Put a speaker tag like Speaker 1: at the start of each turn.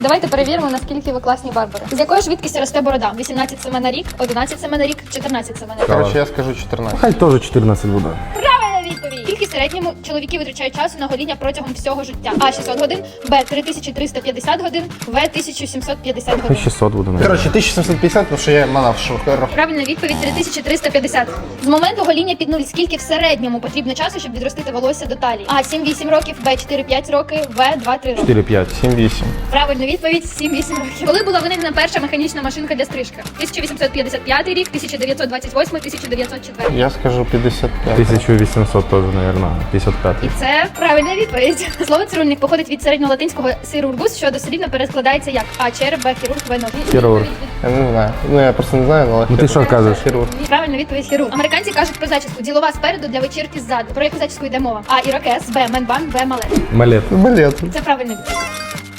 Speaker 1: Давайте перевіримо, наскільки ви класні барбари. З якою швидкістю росте борода? 18 см на рік, 11 см на рік, 14 см на рік.
Speaker 2: Короче, я скажу 14.
Speaker 3: Хай теж 14 буде.
Speaker 1: Правильна відповідь! Скільки в середньому чоловіки витрачають часу на гоління протягом всього життя? А. 600 годин, Б. 3350 годин, В. 1750
Speaker 3: Хай
Speaker 1: годин.
Speaker 3: 600 буде, навіть.
Speaker 2: Короче, 1750, потому что я манав шухер.
Speaker 1: Правильна відповідь 3350. З моменту гоління під нуль скільки в середньому потрібно часу, щоб відростити волосся до талії? А. 7-8 років, Б. 4-5 років, В. 2-3 роки.
Speaker 3: 4-5.
Speaker 2: 7-8.
Speaker 1: Правильна відповідь 7-8 років. Коли була винайдена перша механічна машинка для стрижки? 1855 рік, 1928, 1904.
Speaker 2: Я скажу 55.
Speaker 3: 1800 теж, мабуть. 55.
Speaker 1: І це правильна відповідь. Слово цирульник походить від середньолатинського сирургус, що дослівно перекладається як А. Череп, Б. Хірург, В. ноги.
Speaker 3: Хірург.
Speaker 2: Я не знаю. Ну, я просто не знаю, але...
Speaker 3: Ну ти що кажеш?
Speaker 2: Хірург.
Speaker 1: Правильна відповідь хірург. Американці кажуть про зачіску. Ділова спереду, для вечірки ззаду. Про яку зачіску йде мова? А. Ірокез, Б. Менбан, В. Малет.
Speaker 3: Малет.
Speaker 2: Балет.
Speaker 1: Це правильна відповідь.